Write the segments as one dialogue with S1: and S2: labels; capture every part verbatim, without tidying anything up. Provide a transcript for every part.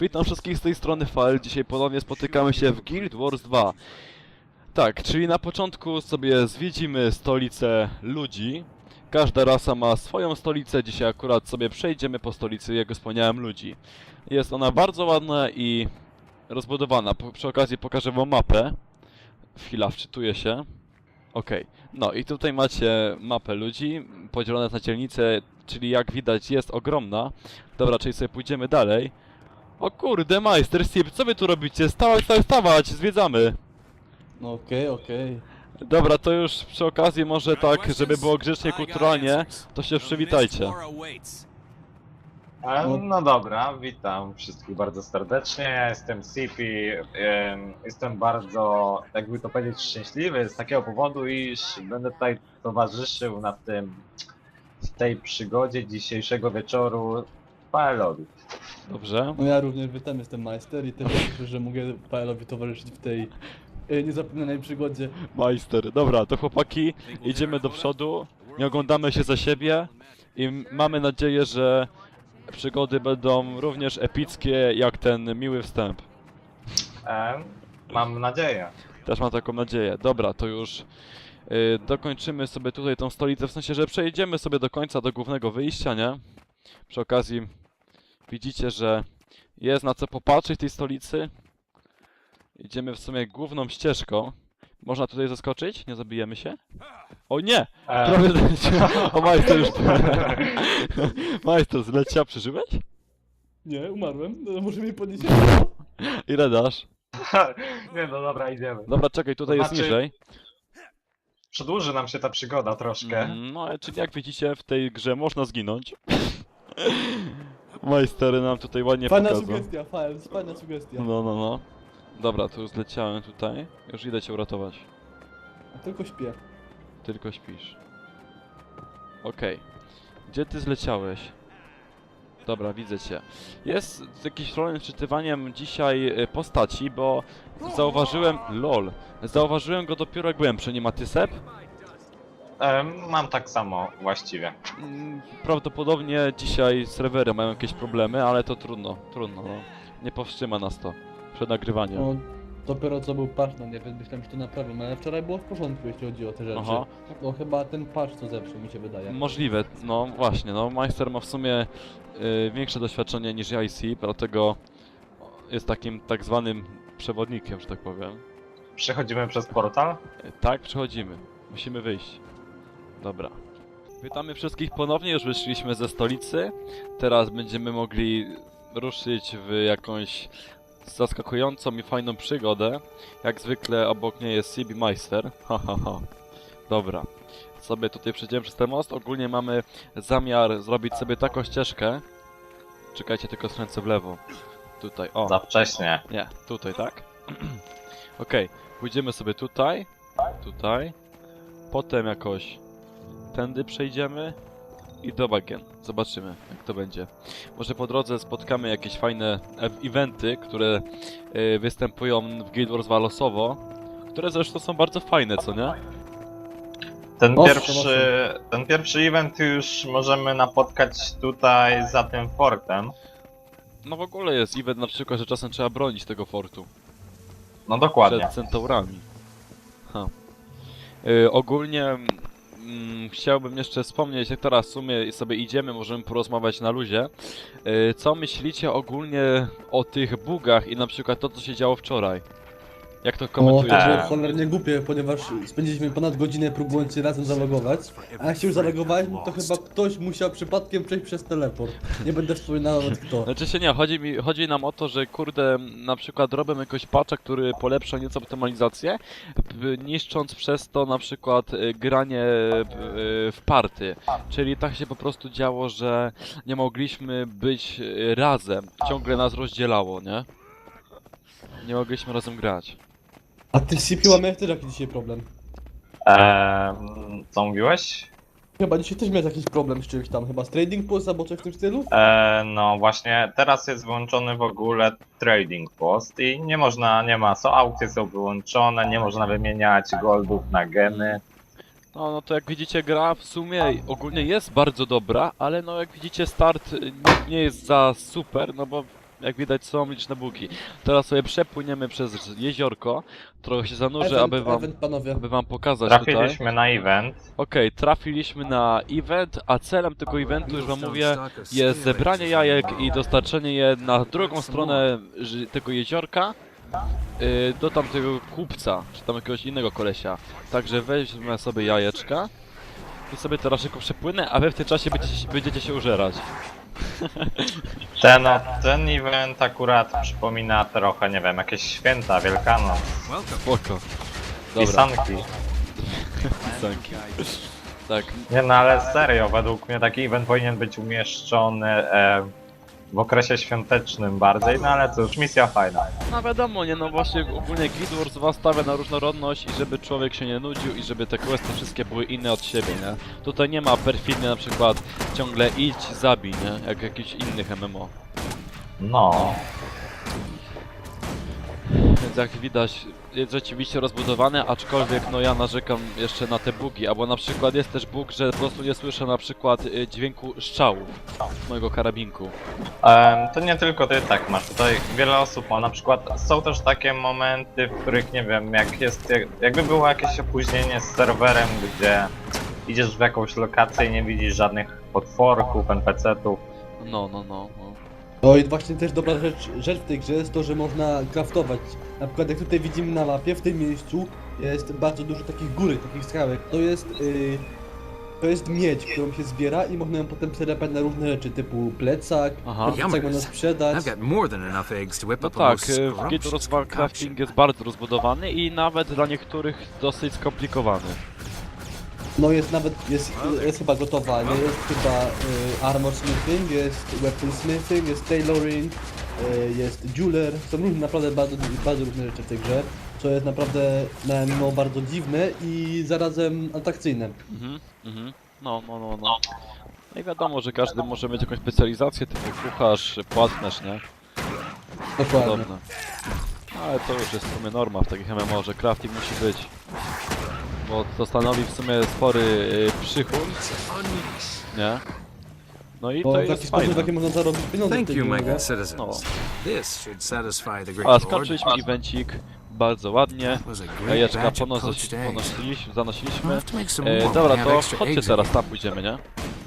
S1: Witam wszystkich z tej strony Fael. Dzisiaj ponownie spotykamy się w Guild Wars dwa. Tak, czyli na początku sobie zwiedzimy stolicę ludzi. Każda rasa ma swoją stolicę. Dzisiaj akurat sobie przejdziemy po stolicy, jak wspomniałem, ludzi. Jest ona bardzo ładna i rozbudowana. Po, przy okazji pokażę wam mapę. Chwila, wczytuję się. Okej, no i tutaj macie mapę ludzi, podzielone na dzielnice, czyli jak widać jest ogromna. Dobra, czyli sobie pójdziemy dalej. O kurde, majster Sip, co wy tu robicie? Stawać, stawać, stawać, zwiedzamy.
S2: No okej, okay, okej. Okay.
S1: Dobra, to już przy okazji może tak, żeby było grzecznie, kulturalnie, to się przywitajcie.
S3: E, No dobra, witam wszystkich bardzo serdecznie. Ja jestem Sipi. em, Jestem bardzo, jakby to powiedzieć, szczęśliwy z takiego powodu, iż będę tutaj towarzyszył na tym, w tej przygodzie dzisiejszego wieczoru Paelowi.
S1: Dobrze.
S2: No ja również witam, jestem majster i też cieszę, że mogę Paelowi towarzyszyć w tej y, niezapomnianej przygodzie.
S1: Majster, dobra, to chłopaki, idziemy do przodu, nie oglądamy się za siebie i m- mamy nadzieję, że przygody będą również epickie jak ten miły wstęp.
S3: E, Mam nadzieję.
S1: Też mam taką nadzieję. Dobra, to już yy, dokończymy sobie tutaj tą stolicę, w sensie, że przejdziemy sobie do końca, do głównego wyjścia, nie? Przy okazji widzicie, że jest na co popatrzeć w tej stolicy. Idziemy w sumie główną ścieżką. Można tutaj zaskoczyć? Nie zabijemy się? O nie!
S3: E,
S1: Prawie zleciał. O, majster już... Majster, zleciał, przeżyłeś?
S2: Nie, umarłem, no, może mi podnieść.
S1: Ile dasz?
S3: Nie no dobra, idziemy.
S1: Dobra, czekaj, tutaj jest
S3: Znaczy-
S1: niżej.
S3: Przedłuży nam się ta przygoda troszkę.
S1: Mm, No, czyli jak widzicie, w tej grze można zginąć. Majstery nam tutaj ładnie
S2: Fajna
S1: pokazał.
S2: sugestia, fajna, fajna sugestia.
S1: No, no, no. Dobra, tu już zleciałem tutaj. Już idę cię uratować.
S2: A tylko śpię.
S1: Tylko śpisz. Okej. Gdzie ty zleciałeś? Dobra, widzę cię. Jest jakiś problem z czytywaniem dzisiaj y, postaci, bo zauważyłem... LOL. Zauważyłem go dopiero jak byłem przy nim, a ty, Seb?
S3: E, Mam tak samo właściwie.
S1: Mm, Prawdopodobnie dzisiaj serwery mają jakieś problemy, ale to trudno, trudno, no. Nie powstrzyma nas to przed nagrywaniem.
S2: No, dopiero co był patch, no nie wiem, myślałem, że to naprawią, ale wczoraj było w porządku, jeśli chodzi o te rzeczy.
S1: Aha.
S2: No chyba ten patch co zepsuł, mi się wydaje.
S1: Możliwe, no właśnie, no Majster ma w sumie y, większe doświadczenie niż I C, dlatego jest takim tak zwanym przewodnikiem, że tak powiem.
S3: Przechodzimy przez portal.
S1: Y, Tak, przechodzimy. Musimy wyjść. Dobra. Witamy wszystkich ponownie, już wyszliśmy ze stolicy. Teraz będziemy mogli ruszyć w jakąś zaskakującą i fajną przygodę. Jak zwykle obok niej jest Sibi Meister. Ha, ha, ha. Dobra. Sobie tutaj przejdziemy przez ten most. Ogólnie mamy zamiar zrobić sobie taką ścieżkę. Czekajcie, tylko skręcę w lewo. Tutaj, o.
S3: Za wcześnie.
S1: Nie, tutaj, tak? Okej, pójdziemy sobie tutaj. Tutaj. Potem jakoś tędy przejdziemy. I do bagien. Zobaczymy, jak to będzie. Może po drodze spotkamy jakieś fajne e- eventy, które y, występują w Guild Wars dwa losowo. Które zresztą są bardzo fajne, co nie?
S3: Ten
S2: Owszem,
S3: pierwszy, ten pierwszy event już możemy napotkać tutaj za tym fortem.
S1: No w ogóle jest event na przykład, że czasem trzeba bronić tego fortu.
S3: No dokładnie.
S1: Przed centaurami. Ha. Y, ogólnie mm, chciałbym jeszcze wspomnieć, jak teraz w sumie sobie idziemy, możemy porozmawiać na luzie. Y, co myślicie ogólnie o tych bugach i na przykład to, co się działo wczoraj? Jak to
S2: O, to
S1: komentujecie?
S2: było
S3: Eee.
S2: cholernie głupie, ponieważ spędziliśmy ponad godzinę próbując się razem zalogować, a jak się już zalogowaliśmy, to chyba ktoś musiał przypadkiem przejść przez teleport. Nie będę wspominał nawet kto.
S1: Znaczy się nie, chodzi, mi, chodzi nam o to, że kurde, na przykład robią jakoś patcha, który polepsza nieco optymalizację, b- niszcząc przez to na przykład y, granie y, w party. Czyli tak się po prostu działo, że nie mogliśmy być y, razem. Ciągle nas rozdzielało, nie? Nie mogliśmy razem grać.
S2: A ty z C P U miałeś też jakiś dzisiaj problem.
S3: Eee, co mówiłeś?
S2: Chyba dzisiaj też miałeś jakiś problem z czymś tam, chyba z Trading Post albo coś w tym stylu?
S3: Eee, no właśnie, teraz jest wyłączony w ogóle trading post i nie można, nie ma, są aukcje są wyłączone, nie można wymieniać goldów na gemy.
S1: No, no to jak widzicie, gra w sumie ogólnie jest bardzo dobra, ale no jak widzicie, start y, nie, nie jest za super, no bo Jak widać są liczne buki. Teraz sobie przepłyniemy przez jeziorko, trochę się zanurzę,
S2: Event,
S1: aby wam,
S2: event, panowie.
S1: aby wam pokazać tutaj.
S3: Trafiliśmy na event.
S1: Okej, trafiliśmy na event, a celem tego eventu, już wam mówię, jest zebranie jajek i dostarczenie je na drugą stronę ży- tego jeziorka yy, do tamtego kupca, czy tam jakiegoś innego kolesia. Także weźmy sobie jajeczka i sobie teraz szybko przepłynę, a wy w tym czasie będziecie, się- będziecie się użerać.
S3: Ten, ten event akurat przypomina trochę, nie wiem, jakieś święta, Wielkanoc,
S1: Spoko. Dobra,
S3: pisanki.
S1: pisanki. Tak,
S3: Nie no, ale serio, według mnie taki event powinien być umieszczony e, w okresie świątecznym bardziej, no ale cóż, misja fajna.
S1: no wiadomo, nie no właśnie ogólnie Guild Wars dwa stawia na różnorodność i żeby człowiek się nie nudził i żeby te questy wszystkie były inne od siebie, nie? Tutaj nie ma perfidnie na przykład ciągle idź, zabij, nie? Jak jakichś innych M M O.
S3: No,
S1: Więc jak widać jest rzeczywiście rozbudowane, aczkolwiek no ja narzekam jeszcze na te bugi, albo na przykład jest też bug, że po prostu nie słyszę na przykład y, dźwięku strzałów z mojego karabinku.
S3: em, to nie tylko ty tak masz, tutaj wiele osób ma, na przykład są też takie momenty, w których nie wiem, jak jest, jak, jakby było jakieś opóźnienie z serwerem, gdzie idziesz w jakąś lokację i nie widzisz żadnych potworków, N P C-ów.
S1: No, no, no, no.
S2: No i właśnie też dobra rzecz, rzecz w tej grze jest to, że można craftować. Na przykład jak tutaj widzimy na mapie, w tym miejscu jest bardzo dużo takich góry, takich skałek. To jest, yy, to jest miedź, którą się zbiera i można ją potem przerapać na różne rzeczy, typu plecak,
S1: Aha.
S2: plecak można sprzedać.
S4: I've got more than enough eggs to whip
S1: No
S4: up a
S1: tak,
S4: most
S1: y, w Guild Wars
S4: scrumptious
S1: dwa
S4: concoction.
S1: crafting jest bardzo rozbudowany i nawet dla niektórych dosyć skomplikowany.
S2: No jest nawet, jest, jest chyba gotowa, nie? Jest chyba y, armor smithing, jest weapon smithing, jest tailoring, y, jest jeweler. Są różne, naprawdę bardzo, bardzo różne rzeczy w tej grze, co jest naprawdę na M M O bardzo dziwne i zarazem atrakcyjne.
S1: Mhm, mhm. No, no, no, no. No i wiadomo, że każdy może mieć jakąś specjalizację, typu kucharz, płatnerz, nie?
S2: Dokładnie.
S1: Podobne. Ale to już jest w sumie norma w takich M M O, że crafting musi być. Bo to stanowi w sumie spory y, przychód, nie? No i
S2: Bo
S1: to
S2: w taki
S1: jest
S2: sposób, w
S1: fajne.
S2: jaki można zarobić pieniądze w
S4: Thank
S2: tej
S4: you,
S2: grze,
S4: my
S2: nie?
S4: good citizens.
S1: No.
S4: This should satisfy the great
S1: A,
S4: lord.
S1: skończyliśmy evencik bardzo ładnie.
S4: That was a great
S1: Jajeczka
S4: batch of
S1: ponos-
S4: poached eggs.
S1: ponosiliśmy,
S4: I'll
S1: zanosiliśmy.
S4: have to make some
S1: E,
S4: more.
S1: dobra,
S4: We have
S1: to
S4: extra
S1: chodźcie
S4: eggs
S1: teraz,
S4: again.
S1: tam pójdziemy, nie?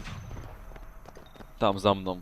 S1: Tam, za mną.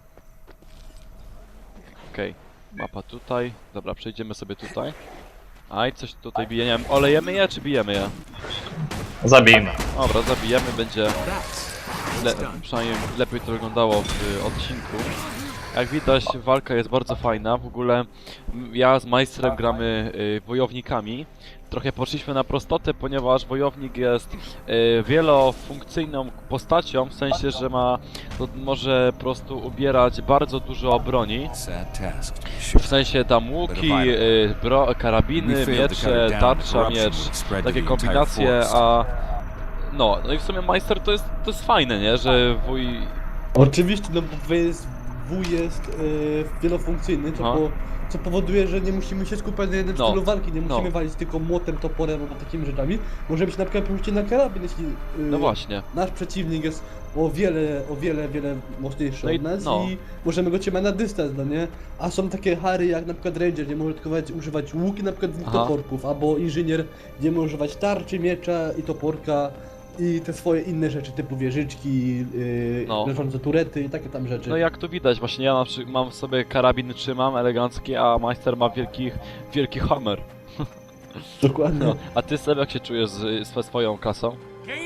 S1: Okej, mapa tutaj. Dobra, przejdziemy sobie tutaj. Aj, coś tutaj bije, nie wiem, olejemy je, czy bijemy je?
S3: Zabijmy.
S1: Dobra, zabijemy, będzie
S4: That's
S1: le
S4: done.
S1: przynajmniej lepiej to wyglądało w y, odcinku. Jak widać, walka jest bardzo fajna. W ogóle m, ja z Majstrem gramy y, wojownikami. Trochę poszliśmy na prostotę, ponieważ wojownik jest y, wielofunkcyjną postacią, w sensie, że ma, to może po prostu ubierać bardzo dużo broni.
S4: Sad task, to be
S1: W
S4: sure.
S1: sensie tam łuki, y, bro, karabiny,
S4: We failed to cut
S1: miecze,
S4: it down.
S1: tarcza,
S4: Corruption
S1: miecz,
S4: spread to
S1: takie
S4: the entire
S1: kombinacje,
S4: forest.
S1: a... No, no i w sumie Majster to jest, to jest fajne, nie? Że wuj...
S2: Oczywiście, no bo jest, W jest yy, wielofunkcyjny, co,
S1: Aha.
S2: po, co powoduje, że nie musimy się skupiać na jednym
S1: No,
S2: stylu walki, nie musimy
S1: no.
S2: walić tylko młotem, toporem albo takimi rzeczami. Możemy się na przykład przerzucić na karabin, jeśli yy,
S1: No właśnie.
S2: nasz przeciwnik jest o wiele, o wiele, wiele mocniejszy
S1: No i-
S2: od nas
S1: no.
S2: i możemy go trzymać na dystans, no nie? A są takie hary jak na przykład Ranger, gdzie może tylko używać łuki, na przykład dwóch
S1: Aha.
S2: toporków, albo Inżynier, gdzie może używać tarczy, miecza i toporka i te swoje inne rzeczy typu wieżyczki, yy,
S1: No.
S2: leżące turety i takie tam rzeczy.
S1: No jak tu widać, właśnie ja na przykład mam w sobie karabin trzymam elegancki, a Majster ma wielki, wielki hammer.
S2: Dokładnie.
S1: No. A ty sobie jak się czujesz z, ze swoją klasą?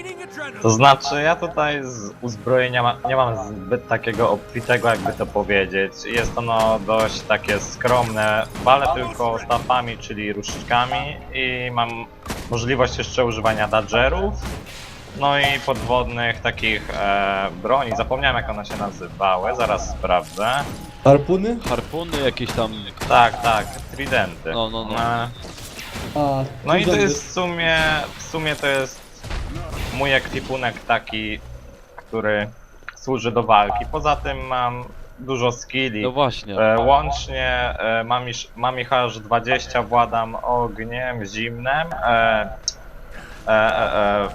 S3: To znaczy, ja tutaj z uzbrojenia ma, nie mam zbyt takiego obfitego, jakby to powiedzieć. Jest ono dość takie skromne. Walę tylko stafami, czyli różdżkami i mam możliwość jeszcze używania dodgerów. No i podwodnych takich e, broni. Zapomniałem, jak one się nazywały, zaraz sprawdzę.
S2: Harpuny?
S1: Harpuny, jakieś tam...
S3: Tak, tak, tridenty.
S1: No, no, no.
S3: E,
S2: A,
S3: No i to
S2: zęby.
S3: jest w sumie, w sumie to jest mój ekwipunek taki, który służy do walki. Poza tym mam dużo skilli.
S1: No właśnie.
S3: E, łącznie e, mam, iż, mam ich aż dwadzieścia, władam ogniem, zimnem, e, e, e, e,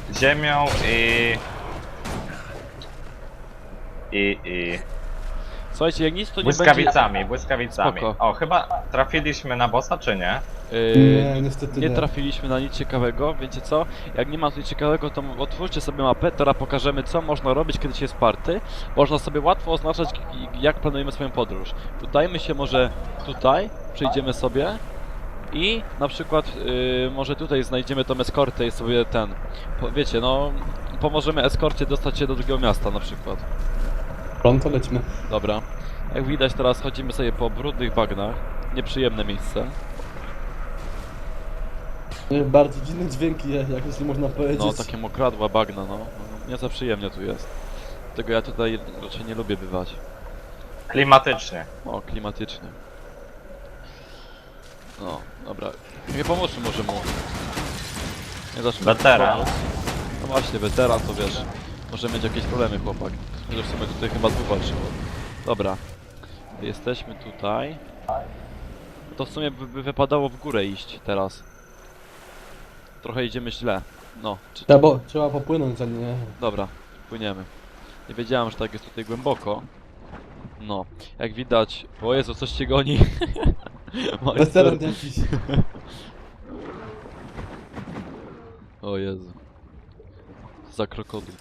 S3: ziemią i... i... i...
S1: Słuchajcie, jak nic to nie
S3: Błyskawicami, błyskawicami.
S1: Spoko.
S3: O, chyba trafiliśmy na bossa, czy nie?
S1: będzie... Yy,
S2: Nie, niestety
S1: nie
S2: nie.
S1: trafiliśmy na nic ciekawego, wiecie co? Jak nie ma nic ciekawego, to otwórzcie sobie mapę, teraz pokażemy co można robić, kiedy się jest party. Można sobie łatwo oznaczać, jak planujemy swoją podróż. Udajmy się może tutaj, przejdziemy sobie i na przykład yy, może tutaj znajdziemy tą eskortę i sobie ten, po, wiecie, no pomożemy eskorcie dostać się do drugiego miasta na przykład.
S2: Pronto lećmy.
S1: Dobra. Jak widać teraz chodzimy sobie po brudnych bagnach. Nieprzyjemne miejsce.
S2: Nie, bardzo dziwne dźwięki, jak jeśli można powiedzieć.
S1: No, takie mokradła bagna, no. No, nie za przyjemnie tu jest. Dlatego ja tutaj raczej nie lubię bywać.
S3: Klimatycznie.
S1: O, klimatycznie. No, dobra. Nie pomóżmy może mu. Nie zacznę.
S3: Weteran.
S1: No właśnie, weteran to wiesz. Może mieć jakieś problemy chłopak. Chociaż w sumie tutaj chyba dwóch walczyło. Dobra. Jesteśmy tutaj. To w sumie by, by wypadało w górę iść teraz. Trochę idziemy źle. No, czy,
S2: Trzeba, bo, trzeba popłynąć, a nie...
S1: dobra, płyniemy. Nie wiedziałem, że tak jest tutaj głęboko. No, jak widać... O Jezu, coś cię goni. Majster.
S2: Weteran jakiś.
S1: O Jezu. Za krokodyl.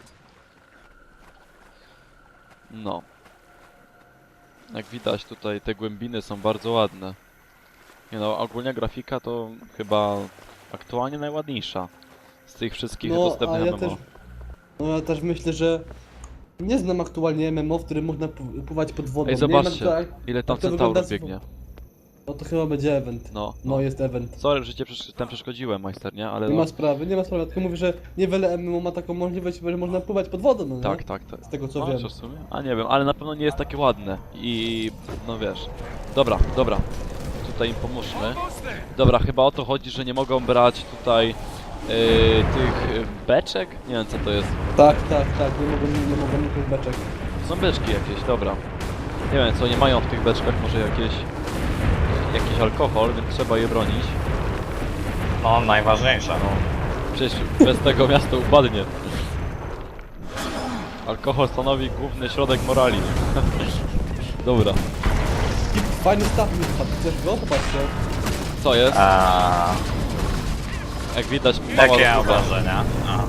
S1: No. Jak widać tutaj te głębiny są bardzo ładne. Nie no, ogólnie grafika to chyba aktualnie najładniejsza z tych wszystkich
S2: No, a
S1: dostępnych
S2: ja
S1: M M O.
S2: też... No ja też myślę, że... Nie znam aktualnie M M O, w którym można pł- pływać pod wodą.
S1: Ej,
S2: Nie
S1: zobaczcie,
S2: wiem, jak to,
S1: ile tam
S2: jak to
S1: centaurów
S2: wygląda z-
S1: biegnie.
S2: No to chyba będzie event.
S1: No,
S2: No jest event.
S1: sorry, że cię przesz- tam przeszkodziłem, majster, nie? Ale
S2: Nie
S1: no,
S2: ma sprawy, nie ma sprawy, tylko mówię, że niewiele M M O ma taką możliwość, że można pływać pod wodą, no nie?
S1: tak, tak, tak.
S2: Z tego co
S1: No,
S2: wiem.
S1: czy w sumie? A nie wiem, ale na pewno nie jest takie ładne. I no wiesz. Dobra, dobra. Tutaj im pomóżmy. Dobra, chyba o to chodzi, że nie mogą brać tutaj yy, tych yy, beczek? Nie wiem co to jest.
S2: Tak, tak, tak, nie mogą, nie mogą niknąć beczek.
S1: Są beczki jakieś, dobra. Nie wiem co nie mają w tych beczkach, może jakieś jakiś alkohol, więc trzeba je bronić.
S3: No, najważniejsza.
S1: No, przecież bez tego miasto upadnie. Alkohol stanowi główny środek morali. Dobra.
S2: I fajny staw mi wpadł, chcesz go? Popatrzcie.
S1: Co jest?
S3: A,
S1: Jak widać, mała
S3: jakie
S1: rozmowa.
S3: obrażenia? A.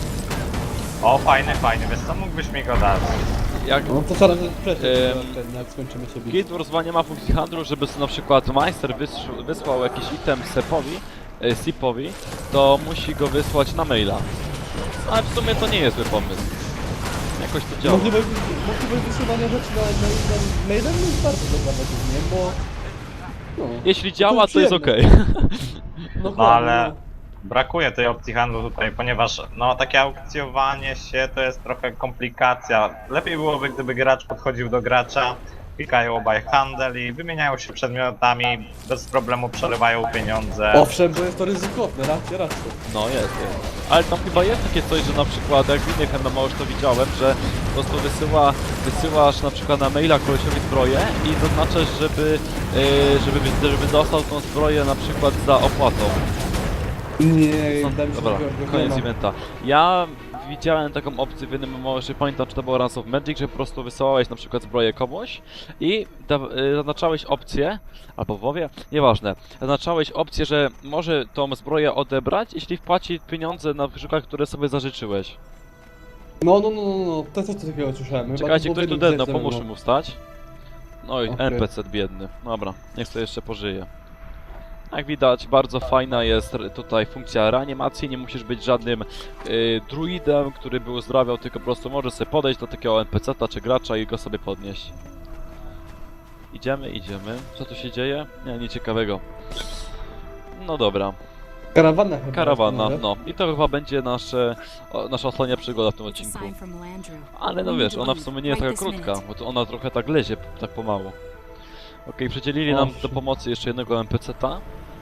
S3: O, fajny, fajny. Wiesz co, mógłbyś mi go dać?
S1: Jak
S2: No to zaraz przejść,
S1: Em,
S2: jak skończymy sobie.
S1: Guild Wars dwa nie ma funkcji handlu, żeby sobie na przykład Meister wysł- wysłał jakiś item Sepowi, e, Sipowi, to musi go wysłać na maila. Ale w sumie to nie jest zły pomysł. Jakoś to działa.
S2: Możliwość, możliwość wysyłania rzeczy na, na, na mailem jest bardzo dobra według mnie, bo... No,
S1: Jeśli działa, to jest okej.
S2: przyjemne. No,
S3: No ale
S2: no.
S3: brakuje tej opcji handlu tutaj, ponieważ no takie aukcjowanie się to jest trochę komplikacja. Lepiej byłoby, gdyby gracz podchodził do gracza, klikają obaj handel i wymieniają się przedmiotami, bez problemu przelewają pieniądze.
S2: Owszem, bo jest to ryzykowne, racja, racja.
S1: No jest, jest. Ale tam chyba jest takie coś, że na przykład jak w innych M M O już to widziałem, że po prostu wysyła, wysyłasz na przykład na maila kolesiowi zbroję i zaznaczasz, żeby, yy, żeby, żeby dostał tą zbroję na przykład za opłatą.
S2: Nie,
S1: No,
S2: wydaje mi się,
S1: dobra,
S2: że tego nie
S1: koniec
S2: ma.
S1: eventa. Ja widziałem taką opcję w jednym M M O, że pamiętam, czy to było Runs of Magic, że po prostu wysyłałeś na przykład zbroję komuś i da, y, zaznaczałeś opcję, albo w WoWie, nieważne, zaznaczałeś opcję, że może tą zbroję odebrać, jeśli wpłaci pieniądze na przykład, które sobie zażyczyłeś.
S2: No, no, no, no, no, to coś takiego słyszałem. Chyba
S1: Czekajcie,
S2: to
S1: ktoś tu
S2: było w
S1: dedno,
S2: jednym
S1: pomóż
S2: z M M O.
S1: mu wstać. No i
S2: Okej.
S1: N P C biedny. Dobra, niech to jeszcze pożyje. Jak widać, bardzo fajna jest r- tutaj funkcja reanimacji, nie musisz być żadnym y, druidem, który by uzdrawiał, tylko po prostu możesz sobie podejść do takiego N P C ta czy gracza i go sobie podnieść. Idziemy, idziemy. Co tu się dzieje? Nie, nic ciekawego. No dobra,
S2: Karawana chyba.
S1: karawana,
S2: może?
S1: no. I to chyba będzie nasze, o, nasza ostatnia przygoda w tym odcinku. Ale no wiesz, ona w sumie nie jest taka krótka, bo to ona trochę tak lezie, tak pomału. Okej, przydzielili nam do
S2: Owszem.
S1: pomocy jeszcze jednego N P C ta.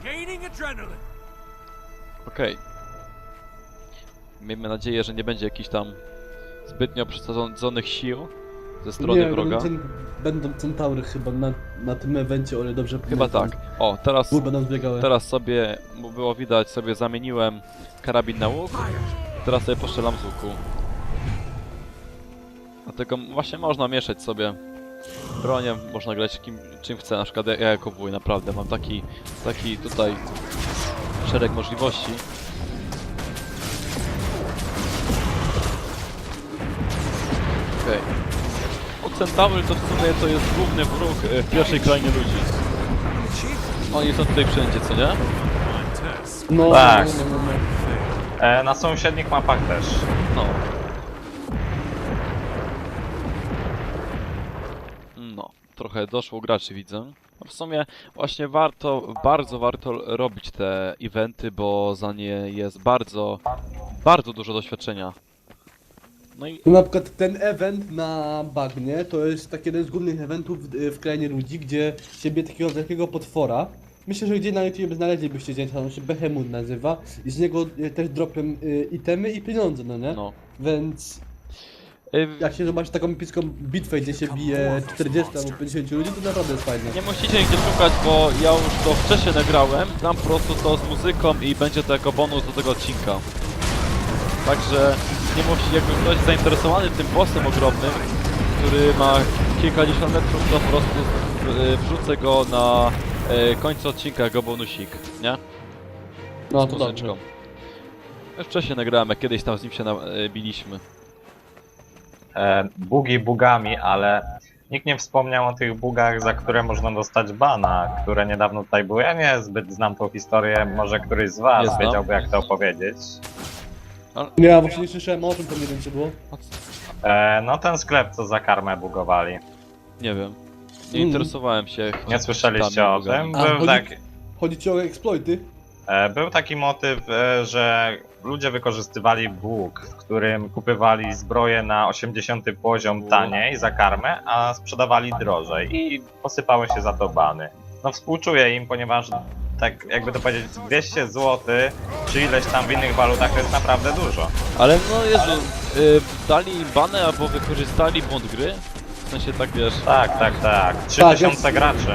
S1: Okej. Miejmy nadzieję, że nie będzie jakichś tam zbytnio przesadzonych sił ze strony
S2: nie,
S1: wroga.
S2: Będą, będą centaury chyba na, na tym evencie, o ile dobrze
S1: Chyba
S2: pamiętam.
S1: tak. O, teraz,
S2: Bo będą zbiegały.
S1: teraz sobie, bo było widać, sobie zamieniłem karabin na łuk. Teraz sobie postrzelam z łuku. Dlatego właśnie można mieszać sobie bronią, można grać kim, czym chce, na przykład ja, ja jako wuj, naprawdę mam taki, taki tutaj szereg możliwości. Okej. Okay. Centaur to w sumie to jest główny wróg e, w pierwszej krainie ludzi. Oni są tutaj wszędzie, co nie?
S2: No,
S3: Tak.
S2: no, no, no, no.
S3: E, na sąsiednich mapach też.
S1: No. No, trochę doszło graczy, widzę. No w sumie właśnie warto, bardzo warto robić te eventy, bo za nie jest bardzo, bardzo dużo doświadczenia. No i
S2: No na przykład ten event na bagnie to jest taki jeden z głównych eventów w, w krainie ludzi, gdzie siebie takiego wielkiego potwora. Myślę, że gdzie na YouTube znaleźlibyście zdjęcia, on się Behemoth nazywa i z niego y, też dropią y, itemy i pieniądze, no nie?
S1: no.
S2: Więc
S1: Y,
S2: jak się zobaczy taką epicką bitwę, gdzie się bije czterdzieści albo pięćdziesiąt ludzi, to naprawdę jest fajne.
S1: Nie musicie nigdzie szukać, bo ja już to wcześniej nagrałem. Dam po prostu to z muzyką i będzie to jako bonus do tego odcinka. Także nie musi, jakby ktoś zainteresowany tym bossem ogromnym, który ma kilkadziesiąt metrów, to po prostu y, wrzucę go na y, końcu odcinka jako bonusik, nie?
S2: No
S1: Z
S2: to
S1: muzyczką.
S2: dobrze.
S1: Już wcześniej nagrałem, jak kiedyś tam z nim się na, y, biliśmy.
S3: E, bugi bugami, ale nikt nie wspomniał o tych bugach, za które można dostać bana, które niedawno tutaj były. Ja nie zbyt znam tą historię, może któryś z was
S1: Nie znam.
S3: wiedziałby jak to opowiedzieć.
S2: Ja właśnie nie słyszałem o czym, to nie wiem czy było.
S3: E, no ten sklep, co za karmę bugowali.
S1: Nie wiem. Nie
S2: Mm.
S1: interesowałem się.
S3: Nie słyszeliście
S1: tam
S3: o
S1: bugami.
S3: tym?
S2: A,
S3: Był,
S2: chodzi-
S3: tak,
S2: Chodzi ci o exploity?
S3: e, był taki motyw, e, że ludzie wykorzystywali bug, w którym kupywali zbroję na osiemdziesiąty poziom taniej za karmę, a sprzedawali drożej i posypały się za to bany. No współczuję im, ponieważ tak jakby to powiedzieć dwieście złotych czy ileś tam w innych walutach to jest naprawdę dużo.
S1: Ale no Jezu, y, dali im banę albo wykorzystali błąd gry? W sensie tak wiesz,
S3: Tak, tak, tak. trzy
S2: Tak,
S3: tysiące
S2: jest-
S3: graczy.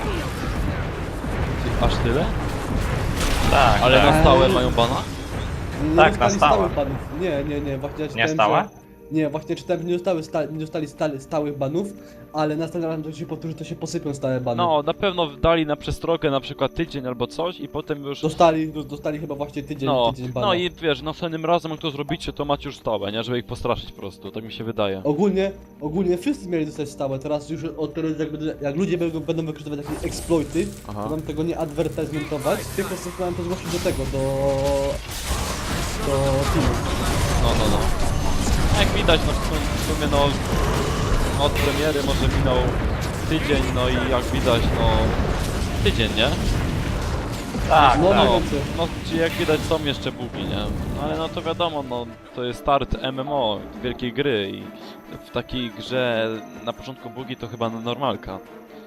S1: aż tyle?
S3: Tak,
S1: Ale
S3: tak.
S1: na stałe mają bana?
S2: Nie
S3: Tak, na
S2: dostali
S3: stałe.
S2: stałych banów. Nie, nie, nie, właśnie ja czytałem,
S3: stałe?
S2: Że... Nie, właśnie czytałem, że nie, dostały sta... nie dostali stale, stałych banów, ale następnym razem to się powtórzy, to się posypią stałe bany.
S1: No, na pewno dali na przestrogę na przykład tydzień albo coś i potem już...
S2: Dostali, do- dostali chyba właśnie tydzień,
S1: No,
S2: tydzień bana.
S1: no i wiesz, następnym razem jak to zrobicie, to macie już stałe, nie? Żeby ich postraszyć po prostu, tak mi się wydaje.
S2: Ogólnie, ogólnie wszyscy mieli dostać stałe, teraz już od teraz jak, będę- jak ludzie będą, będą wykorzystywać takie exploity,
S1: Aha.
S2: to mam tego nie advertisementować, tylko mam to zgłosić do tego, do... do filmu.
S1: No, no, no. Jak widać, no w sum- w sumie no... Od premiery może minął tydzień, no i jak widać, no... Tydzień, nie?
S3: Tak,
S2: No,
S3: tak.
S2: mniej więcej.
S1: No, czyli jak widać są jeszcze bugi, nie? No, ale no to wiadomo, no to jest start M M O, wielkiej gry i w takiej grze na początku bugi to chyba normalka.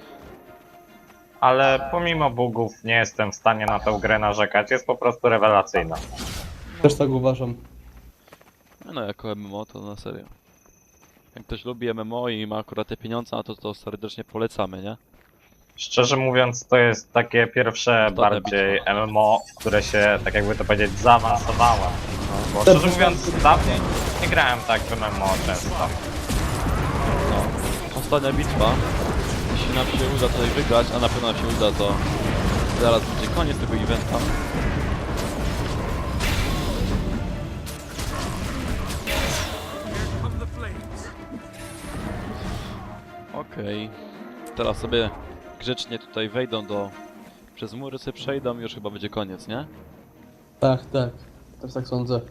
S3: Ale pomimo bugów nie jestem w stanie na tę grę narzekać, jest po prostu rewelacyjna.
S2: Też tak uważam.
S1: No jako M M O to na serio. Jak ktoś lubi M M O i ma akurat te pieniądze, no to to serdecznie polecamy, nie?
S3: Szczerze mówiąc, to jest takie pierwsze
S1: Ostatnia
S3: bardziej
S1: bitwa.
S3: M M O, w które się, tak jakby to powiedzieć, zaawansowałem. Bo
S2: Też
S3: szczerze mówiąc,
S2: tak.
S3: dawniej nie grałem tak w M M O często.
S1: No. Ostatnia bitwa. Jeśli nam się uda tutaj wygrać, a na pewno nam się uda, to zaraz będzie koniec tego eventa. Okej. Teraz sobie grzecznie tutaj wejdą do... Przez mury sobie przejdą i już chyba będzie koniec, nie?
S2: Tak, tak. Też tak sądzę.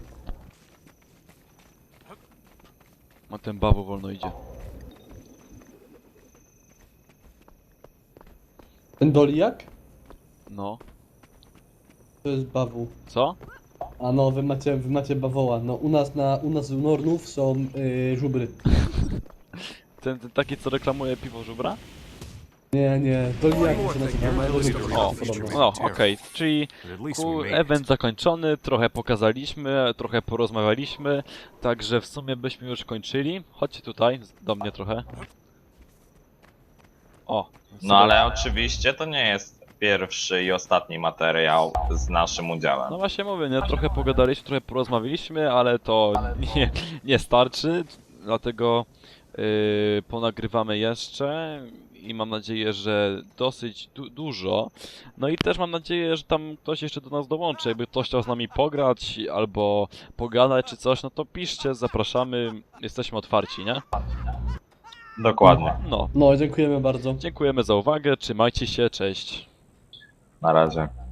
S1: A ten bawu wolno idzie.
S2: Ten Doliak?
S1: No.
S2: To jest bawu.
S1: Co?
S2: A no, wy macie, wy macie bawoła. No u nas na, u nas u Nornów są yy, żubry.
S1: Ten, ten taki, co reklamuje piwo żubra?
S2: Nie, nie, Doliaki się nazywa.
S1: O, no, okej, czyli
S4: But at least
S1: ku,
S4: we made it.
S1: event zakończony, trochę pokazaliśmy, trochę porozmawialiśmy, także w sumie byśmy już kończyli. Chodźcie tutaj, z- do mnie trochę. O.
S3: No ale oczywiście to nie jest pierwszy i ostatni materiał z naszym udziałem.
S1: No właśnie mówię, nie? Trochę pogadaliśmy, trochę porozmawialiśmy, ale to nie, nie starczy, dlatego Yy, ponagrywamy jeszcze i mam nadzieję, że dosyć du dużo. No i też mam nadzieję, że tam ktoś jeszcze do nas dołączy. Jakby ktoś chciał z nami pograć albo pogadać czy coś, no to piszcie, zapraszamy, jesteśmy otwarci, nie?
S3: Dokładnie.
S1: No,
S2: No, dziękujemy bardzo.
S1: dziękujemy za uwagę, trzymajcie się, cześć.
S3: Na razie.